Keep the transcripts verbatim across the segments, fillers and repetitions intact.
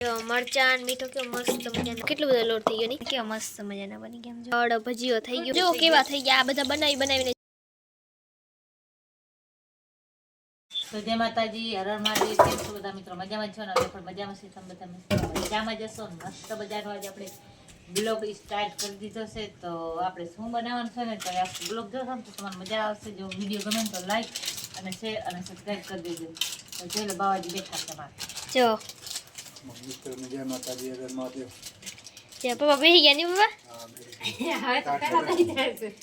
मरचान मीठो के मस्त मजानो કેટલો બધો લોટ થઈ ગયો ની કે મસ્ત મજાના બની ગયા જો અડ ભજીયો થઈ ગયો જો કેવા થઈ ગયા આ બધા બનાવી બનાવીને તો જય માતાજી હર હર મહાદેવ કેમ છો બધા મિત્રો મજામાં છો ને હવે પણ મજામાં છે તમે બધા મજામાં જશો મસ્ત બજારનો આજે આપણે બ્લોગ સ્ટાર્ટ કરી દીધો છે તો આપણે શું બનાવવાનું છે ને તો આ બ્લોગ જોશો તો તમને મજા આવશે જો વિડિયો ગમે તો લાઈક અને શેર અને સબસ્ક્રાઇબ કરી દેજો તો ચલો બાવાજી બેઠા છે મારે જો मिस्टर जय माता दी अगर महादेव जय पापा बेही गया नहीं पापा હવે તો પહેલા થઈ જાય છે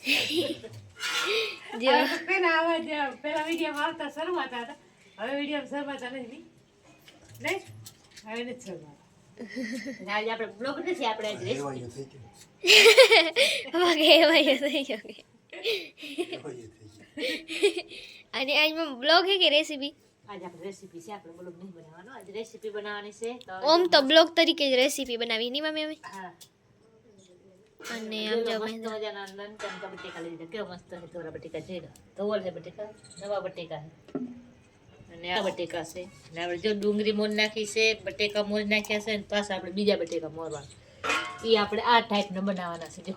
जो હવે પહેલા આવા જ પહેલા વિડિયો આવતા શરમાતા હતા હવે વિડિયો શરમાતા નથી નહીં હવે નથી શરમાતા આજે આપણે બ્લોગ નથી આપણે આજ રેસીપી एवा ये થઈ ગયો पापा के भाई सही हो गए एवा ये થઈ ગયો અને આજ માં બ્લોગ હે કે રેસીપી आज આપણે રેસીપી છે આપણે બ્લોગ નહીં બનાવવાનો આજ રેસીપી બનાવવાની છે તો ઓમ તો બ્લોગ તરીકે જ રેસીપી બનાવી ની મમ્મી અમે હા અને આમ જો મસ્ત મજાના લંકન કા બટેકા લઈ લીધા કેવો મસ્ત છે તોરા બટેકા જેડા તોવલ છે બટેકા નવા બટેકા છે અને આ બટેકા છે અને આપણે જો ડુંગળી મોર નાખી છે બટેકા મોર નાખ્યા છે અને પાછા આપણે બીજા બટેકા મોરવાના એ આપણે આ ટાઈપનો બનાવવાના છે જો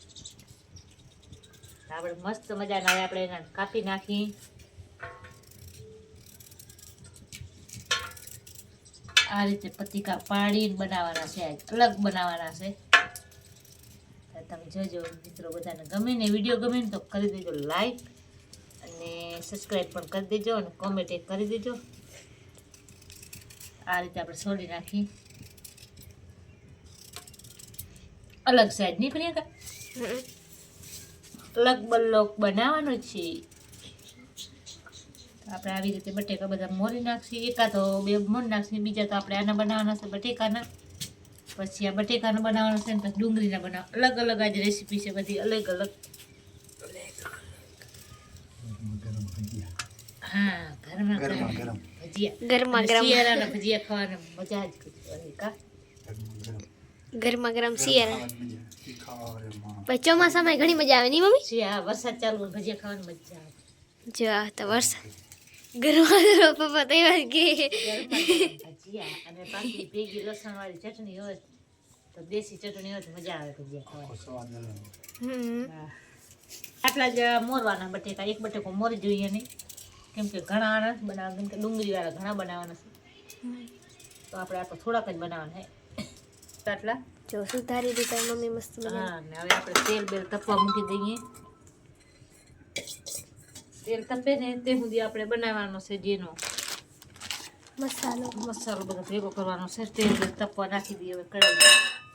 આપણે મસ્ત મજાના હવે આપણે એને કાપી નાખી આ રીતે પતિકા પાડીને બનાવવાના છે આજ અલગ બનાવવાના છે તમે જોજો મિત્રો બધાને ગમે ને વિડીયો ગમે ને તો કરી દેજો લાઈક અને સબસ્ક્રાઈબ પણ કરી દેજો અને કોમેન્ટ એક કરી દેજો આ રીતે આપણે છોડી નાખી અલગ સાઈડ નહીં પ્રિયંકા અલગ બલ્લોક બનાવવાનો છે આપણે આવી રીતે બટેકા બધા મોરી નાખીએ એકા તો બે મોરી નાખીએ બીજા તો આપણે આના બનાવવાના છે બટેકાના પછી આ બટેકાનો બનાવવાનો છે ને પછી ડુંગળીના બનાવ અલગ અલગ આજ રેસીપી છે બધી અલગ અલગ ગરમ ભજીયા હા ઘરમાં ગરમ ગરમ ગરમ ભજીયા ગરમા ગરમ શિયાળાના ભજીયા ખાવાની મજા જ કઈ કા ગરમ ગરમા ગરમ શિયાળા ખાવાની મજા ઈ ખાવા રે માં પછી ચોમાસામાં ઘણી મજા આવે ની મમ્મી શિયાળા વરસાદ ચાલુ હોય ભજીયા ખાવાની મજા આવે જો આ તો વરસાદ ગરમા ગરમ પપ્પા તૈયાર કે ગરમા ગરમ ભજીયા અને પાછી ભેગી લસણવાળી ચટણી હોય તો દેશી ચટણી હોય તો મજા આવે ભજીયા ખાવાની સ્વાદ અલગ હમ હા. આટલા જ મોરવાના બટેકા એક બટેકો મોરી જોઈએ નહીં કેમ કે ઘણા નથી બનાવવા કેમ કે ડુંગળીવાળા ઘણા બનાવવાના છે તો આપણે આ તો થોડાક જ બનાવવાના છે આટલા જો સુધારી દીધા મમ્મી મસ્ત મજા હા ને હવે આપણે તેલ બેલ તપવા મૂકી દઈએ તેલ તપે ને તે સુધી આપણે બનાવવાનો છે જેનો મસાલો મસાલો બધો ભેગો કરવાનો છે તેલ બેલ તપવા નાખી દઈએ હવે કઢાઈ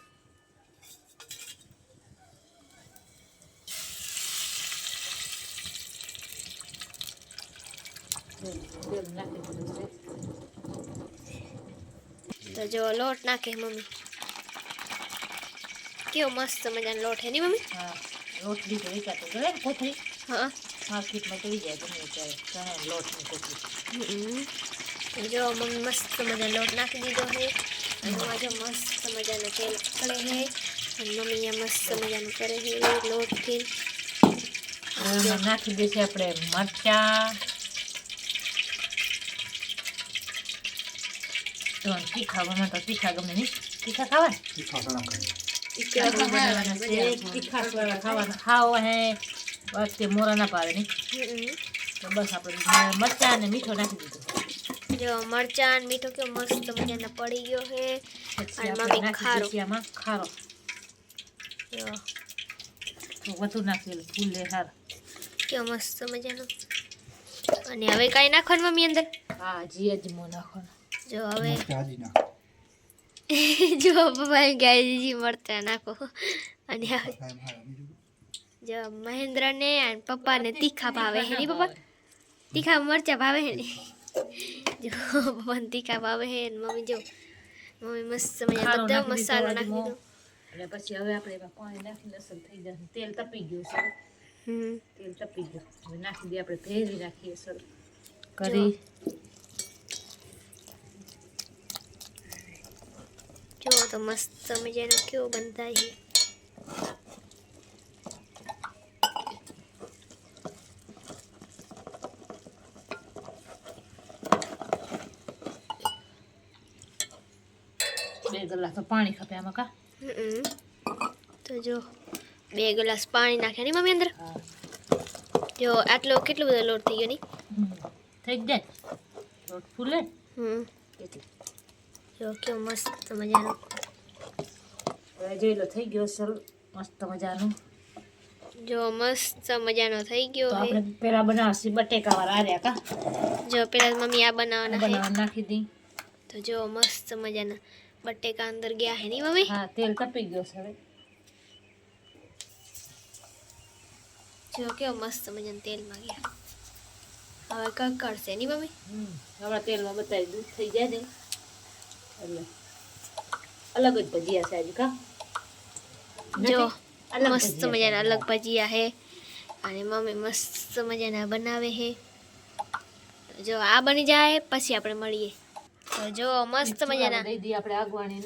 તેલ નાખી દીધું છે તો જો લોટ નાખે મમ્મી કેવો મસ્ત મજાનો લોટ હે ની મમ્મી હા લોટ દીધો વિચારતો ગયો ને કોથળી હા માર્કેટમાં તો જાય ગમે ત્યારે ચણા લોટની કોથળી હમ. જો મમ્મી મસ્ત મજાનો લોટ નાખી દીધો હે અને એમાં જો મસ્ત મજાનો તેલ પડે હે અને મમ્મી અહીંયા મસ્ત મજાનું કરે હે લોટથી એમાં નાખી દઈશું આપણે મરચાં તો તીખા ગમે તો તીખા ગમે નહીં તીખા ખાવા તીખા ઘણા કરી તીખા બનાવવાના છે તીખા વાળા ખાવાના ખાવો હે વખતે મોરા ના પાડે નહીં હમ. તો બસ આપણે મરચાં અને મીઠો નાખી દીધો જો મરચાં ને મીઠો કેવો મસ્ત મજાનો પડી ગયો હે પછી અને આપણે મમ્મી નાખી ખારો દઈશું આમાં ખારો જો તો વધુ નાખેલું ફૂલ લે હાર કેવો મસ્ત મજાનો અને હવે કાંઈ નાખવાનું મમ્મી અંદર હા જી અજમો નાખવાનો જો હવે તાજી ના જો પપ્પા એમ કહે જી મરચાં નાખો અને હવે કાઈ ભાઈ બીજું જો મહેન્દ્ર ને અને પપ્પા ને તીખા ભાવે હે ની પપ્પા તીખા મરચા ભાવે હે ને જો પપ્પા ને તીખા ભાવે હે ને મમ્મી જો મમ્મી મસ્ત મજાનો ખારો બધો નાખી દીધો મસાલો નાખી દીધો અને પછી હવે આપણે એમાં પાણી નાખીને લસણ થઈ જશે તેલ તપી ગયું છે હમ તેલ તપી ગયું હવે નાખી દઈએ આપણે ભેરી નાખીએ સર કરી જો તો મસ્ત મજાનો કેવો બંધાય છે બે ગ્લાસ તો પાણી ખપે આમાં કા હમ. તો જો બે ગ્લાસ પાણી નાખ્યા ની મમ્મી અંદર. હા જો આટલો કેટલો બધો લોટ થઈ ગયો ની. થઈ જ જાય લોટ ફૂલે હમ એટલે જો કેવો મસ્ત મજાનો. હવે જોઈ લો થઈ ગયો સર મસ્ત મજાનું. જો મસ્ત મજાનો થઈ ગયો તો હે. આપણે પેલા બનાવશી બટેકા વાળા આર્યા કા જો પેલા મમ્મી આ બનાવવાના હે. બનાવવા નાખી દી. તો જો મસ્ત મજાના બટેકા અંદર ગયા હે ની મમ્મી. હા તેલ તપી ગયો છે હવે. જો કેવો મસ્ત મજાનું તેલમાં ગયા. હવે કકડશે ની મમ્મી. હમ હમણાં તેલમાં બતાવી દૂધ થઈ જાય ને એટલે અલગ જ ભજીયા છે આજે કા જો અલગ મસ્ત ભજીયા મજાના છે. અલગ ભજીયા હે અને મમ્મી મસ્ત મજાના બનાવે હે. તો જો આ બની જાય પછી આપણે મળીએ. તો જો મસ્ત મજાના. દઈ દઈએ આપણે આગવાણીને.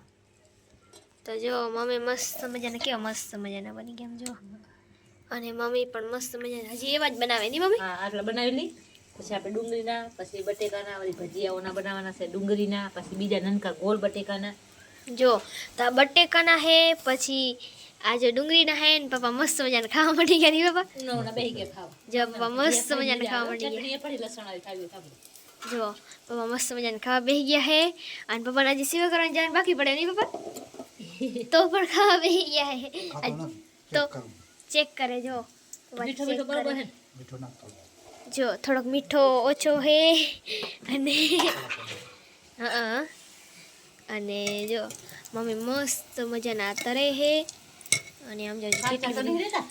તો જો મમ્મી મસ્ત મજાના કેવા મસ્ત મજાના બની ગયા એમ જો. અને મમ્મી પણ મસ્ત મજાના હજી એવા જ બનાવે ની મમ્મી. હા આટલા બનાવી લઈ પછી આપણે ડુંગળીના પછી બટેકાના વળી ભજીયાઓના બનાવવાના છે ડુંગળીના પછી બીજા નાનકા ગોળ બટેકાના. જો તો આ બટેકાના હે પછી આ જો ડુંગળીના હે ને પપ્પા મસ્ત મજાના ખાવા મળી ગયા ની પપ્પા. ઉનાળાના બેહી ગયા ખાવા. જો પપ્પા મસ્ત મજાના ખાવા મળી ગયા. ચટણી પડી લસણ આવી ખાવી ખાવી. જો પપ્પા મસ્ત મજાના ખાવા બેસી ગયા હે અને પપ્પાને હજી સેવા કરવાની જવાનું બાકી પડે નહીં પપ્પા. તો પણ ખાવા બેસી ગયા હે. ખાતો નથી. તો ચેક કરું. ચેક કરે જો પપ્પા મીઠો check મીઠો બરોબર કરે. હે ને? મીઠું નાખતો. જો થોડોક મીઠો ઓછો હે અને હા અને જો મમ્મી મસ્ત મજાના તરે હે અને આમ જો કાચા કેટલી તો બધી. નહીં રહેતા?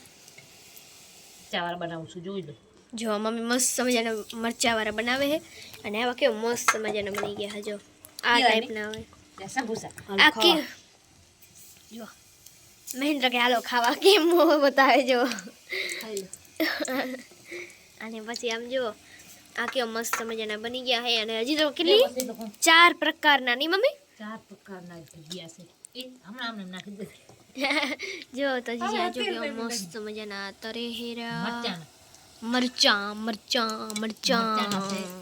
ચાવર બનાવું છું જોઈ લો. જો મમ્મી મસ્ત મજાના મરચાવાળા બનાવે છે અને આવા કેવા મસ્ત મજાના બની ગયા છે જો આ કેવા ટાઈપના હોય ત્યાં સમોસા. આ કે જો મહેન્દ્ર કે હાલો ખાવા કેમ મોં બતાવે જો. ખાઈ લો. અને પછી આમ જો આ કેવા મસ્ત મજાના બની ગયા છે અને હજી તો કેટલી પછી તો ચાર પ્રકારના ની મમ્મી. ચાર પ્રકારના ભજીયા છે એ હમણાં હમણાં નાખી દે. જો તો હજી હા, આ જો તેલ કેવા મેં મસ્ત મજાના તરે હેરા મરચાંના. મરચાં મરચાં મરચાંના છે. મરચાં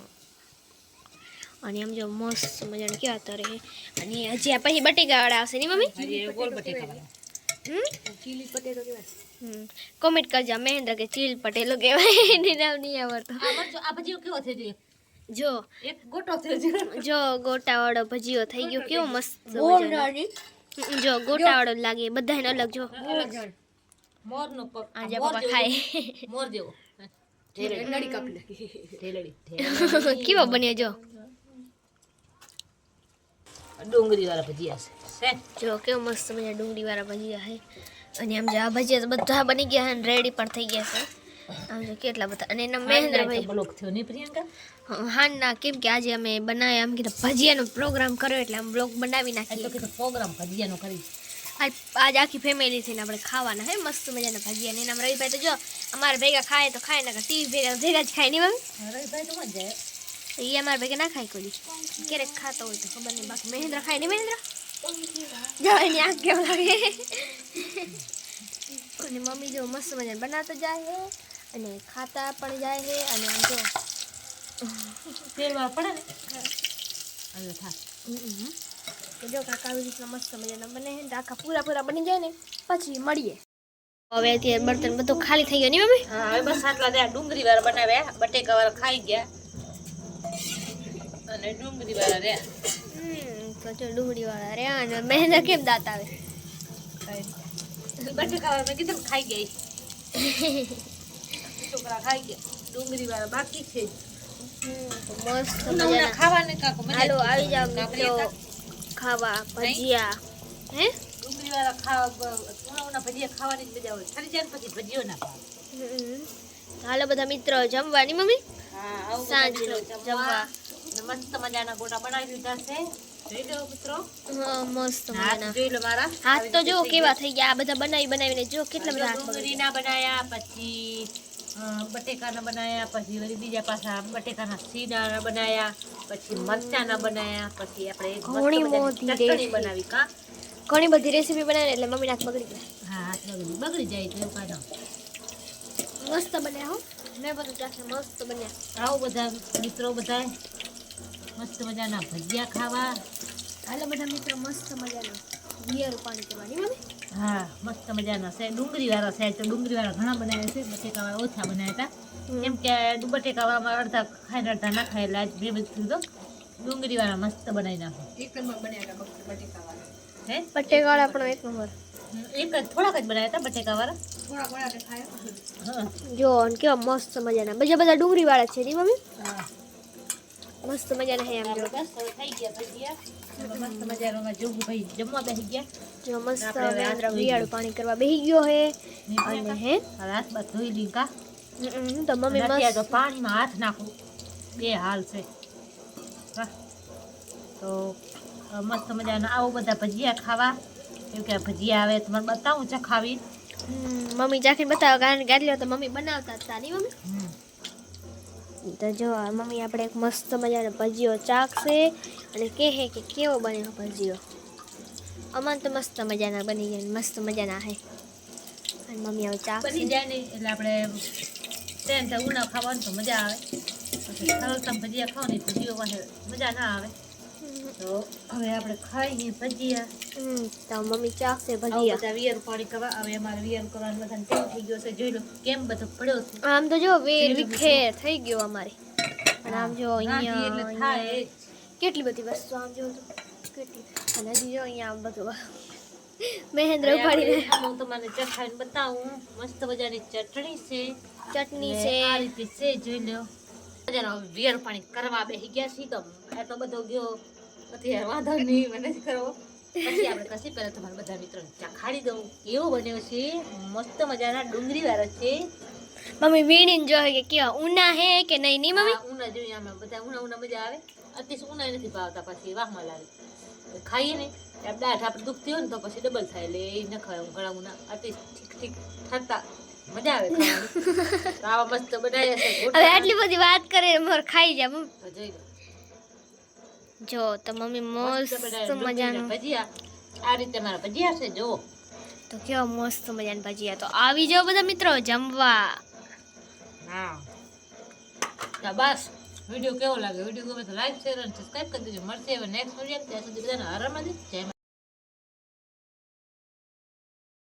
અને આમ જો મસ્ત મજાના કેવા તરે હે અને હજી આ પછી બટેકાવાળા આવશે ની મમ્મી. હજી એ ગોળ બટેકા વાળા. હમ ચીલી પટેટો કેવાય. હમ કોમેન્ટ કરજો મહેન્દ્ર કે ચીલ પટેલો કહેવાય એને નામ નહીં આવડતો. આ મરચો આ ભજીયો કેવો થઈ ગયો? જો એક ગોટો થયો છે. જો ગોટાવાળો ભજીયો થઈ ગયો કેવો મસ્ત મજાનો. હમ, જો ગોટાવાળો જ લાગે બધાને અલગ જો મોરનો પગ. આજે મોર પપ્પા જેવો. ખાય મોર જેવો. ઢેલડી કાપી નાખી. ઢેલડી. કેવો બન્યો જો ડુંગળી વાળા ભજીયા છે. છે જો કેવો મસ્ત મજા ડુંગળી વાળા ભજીયા છે અને આમ જો આ ભજીયા તો બધા બની ગયા છે અને રેડી પણ થઈ ગયા છે. આમ જો કેટલા બધા અને એના મહેન્દ્રભાઈ બ્લોક થયો નહીં પ્રિયંકા? હા ના કેમ કે આજે અમે બનાવ્યા આમ કીધું ભજીયાનો પ્રોગ્રામ કર્યો એટલે આમ બ્લોગ બનાવી આ તો નાખીએ. કીધું પ્રોગ્રામ ભજીયાનો કરી. આજ આજ આખી ફેમિલી થઈને આપણે ખાવાના હે મસ્ત મજાના ભજીયા ને એના રવિભાઈ તો જો અમારે ભેગા ખાય તો ખાય ના ટીવી ભેગા ભેગા જ ખાય નહીં મમ્મી. રવિભાઈ તો મજા જાય. એ અમારે ભેગા ના ખાય કોઈ દી. ક્યારેક ખાતો હોય તો ખબર નહીં બાકી મહેન્દ્ર ખાય નહીં મહેન્દ્ર જો એની આંખ કેવું લાગે. અને મમ્મી જો મસ્ત મજાને બનાવતા જાય છે અને ખાતા પણ જાય છે અને આમ જો તેલમાં પડે ને હવે થા. તો જો કાકા આવી રીતના મસ્ત મજાના બને છે ને આખા પૂરા પૂરા બની જાય ને પછી મળીએ. હવે અત્યારે બર્તન બધું ખાલી થઈ ગયું નહીં મમ્મી. હા હવે બસ આટલા રહ્યા. ડુંગળી વાળા બનાવ્યા, બટેકા વાળા ખાઈ ગયા અને ડુંગળી વાળા રહ્યા. હમ તો જો ડુંગળી વાળા રે અને મહેન્દ્ર કેમ દાંત આવે. બટેકા વાળા મેં કીધું ને ખાઈ ગયા ઈ. છોકરા ખાઈ ગયા. ડુંગળી વાળા બાકી છે. હમ તો મસ્ત ઉના ઉના મજાના ખાવાને કાકો મજા હાલો આવી જાવ કાકડી મિત્રો હતા. ખાવા ભજીયા હે ડુંગળી વાળા ખાવા ઉના ઉના ભજીયા ખાવાની જ મજા હોય. ખાલી જાય ને પછી ભજીયો ના ભાવે. હમ. હાલો બધા મિત્રો જમવાની મમ્મી હા આવું સાંજનું જમવા જમવા. ને મસ્ત મજાના ગોટા બનાવી દીધા છે. જોઈ લો મિત્રો. હા મસ્ત હાથ મજાના જોઈ લો મારા. હાથ તો જો આવી રીતે કેવા થઈ ગયા આ બધા બનાવી બનાવીને જો કેટલા બધા હાથ બગડી ડુંગળીના બનાયા પછી અ, બટેકાના બનાયા પછી વળી બીજા પાછા બટેકાના સીડાના બનાયા પછી મરચાના બનાયા પછી આપણે એક મસ્ત ઘણી મજાની મોટી ચટણી રેસીપી. બનાવી કા. ઘણી બધી રેસીપી બનાવી એટલે મમ્મી હાથ બગડી ગયા. હા હાથ બગડી બગડી જાય તો એવું કાંઈ ના. મસ્ત બન્યા હો મેં બધું ચાખે મસ્ત બન્યા. આવો બધા મિત્રો બધા મસ્ત મજાના ભજીયા ખાવા હાલો બધા મિત્રો મસ્ત મજાનો વિયર પાણી કરવાની મમ્મી. હા મસ્ત મજાના છે ડુંગળી વાળા છે તો ડુંગળી વાળા ઘણા બનાવ્યા છે બટેકા વાળા ઓછા બનાવ્યા હતા કેમ કે બટેકા વાળામાં અડધા ખાઈને અડધા ના ખાય એટલે આજ બે બધું તો ડુંગળી વાળા મસ્ત બનાવી નાખો એક નંબર બન્યા હતા બટેકા વાળા. હે બટેકાવાળા પણ એક નંબર. એક જ થોડાક જ બનાવ્યા હતા બટેકા વાળા થોડા થોડા તે ખાય. હા જો અને કેવા મસ્ત મજાના બીજા બધા ડુંગળી વાળા છે ની મમ્મી. હા મસ્ત મજાના હે આમ જો. બસ હવે થઈ ગયા ભજીયા મસ્ત મજાનો જોગુ ભાઈ જમવા બેસી ગયા જો મસ્ત આપણે હવે મહેન્દ્ર હાથ ધોઈ વિયાળું પાણી કરવા બેસી ગયો હે અને અને હે હાથ બાદ ધોઈ લીધા હમ, તો મમ્મી અત્યારે તો મસ્ત પાણીમાં હાથ નાખવું બે હાલ છે વાહ તો અ, મસ્ત મજાના આવો બધા ભજીયા ખાવા કેમ કે ભજીયા આવે તમારે બતાવું છે ખાવી હમ, મમ્મી ચાખીને બતાવો કારણ કે આટલી વાર તો મમ્મી બનાવતા હતા ની મમ્મી. તો જો આ મમ્મી આપણે એક મસ્ત મજાનો ભજીયો ચાખશે અને કહે કે કેવો બન્યો ભજીયો. અમન તો મસ્ત મજાના બની ગયા મસ્ત મજાના હે અને મમ્મી હવે બની ચાખશે. જાય ને એટલે આપણે ટ્રેન થાય ઉના ખાવાનું તો મજા આવે પછી સરળતા ભજીયા ખાવ ને ભજીયો પાસે મજા ના આવે તો હવે આપણે ખાઈએ ભજીયા હમ, તો મમ્મી ચાખશે આવું ભજીયા. બધા વિયર પાણી કરવા હવે અમારે વિયર કરવાનું બધાને ટેવ થઈ ગયો છે જોઈ લો કેમ બધો પડ્યો છે આમ તો જો વેર વિખેર થઈ ગયો અમારે અને આમ જો રાંધીએ એટલે અહીંયા થાય જ. કેટલી બધી વસ્તુ આમ જો તો કેટલી અને હજી જો અહીંયા આમ બધું મહેન્દ્ર હવે ઉપાડીને આપણે હું તમને ચખાઈને બતાવું મસ્ત મજાની ચટણી છે ચટણી ને છે. આ રીતે છે જોઈ લો મજાનો વિયર પાણી કરવા બેસી ગયા છીએ તો એટલો બધો ગયો નથી યાર વાંધો નહીં મને જ કરવો પછી આપણે કશી પહેલા તમારા બધા મિત્રોને ચખાડી દઉં કેવો બન્યો છે મસ્ત મજાના ડુંગળી વાળો છે મમ્મી વીણીને જોઈ કે કેવા ઉના હે કે નહીં નહીં મમ્મી. આ ઉના જોઈએ આમાં બધા ઉના ઉના મજા આવે અતિશ ઉના નથી ભાવતા પછી વાહમાં લાગે ખાઈએ ને ત્યારે દાઢ આપણે દુખતી હોય ને તો પછી ડબલ થાય એટલે એ ન ખાય ઘણા ઉના અતિશ ઠીક ઠીક થતા મજા આવે ખાવાની તો આવા મસ્ત બનાવ્યા છે હવે ગોટા. આટલી બધી વાત કરે મોર ખાઈ જા મમ્મી. તો જોઈ લો જો તો મમ્મી મસ્ત મસ્ત બનાવ્યા ડુંગળીના મજાનું ભજીયા આ રીતે મારા ભજીયા છે જો તો કેવા મસ્ત મજાના ભજીયા. તો આવી જાઓ બધા મિત્રો જમવા. હા તો બસ વિડીયો કેવો લાગે વિડીયો ગમે તો લાઈક શેર અને સબસ્ક્રાઈબ કરી દેજો મળશે હવે નેક્સ્ટ વિડીયો ત્યાં સુધી બધાને આરામ જય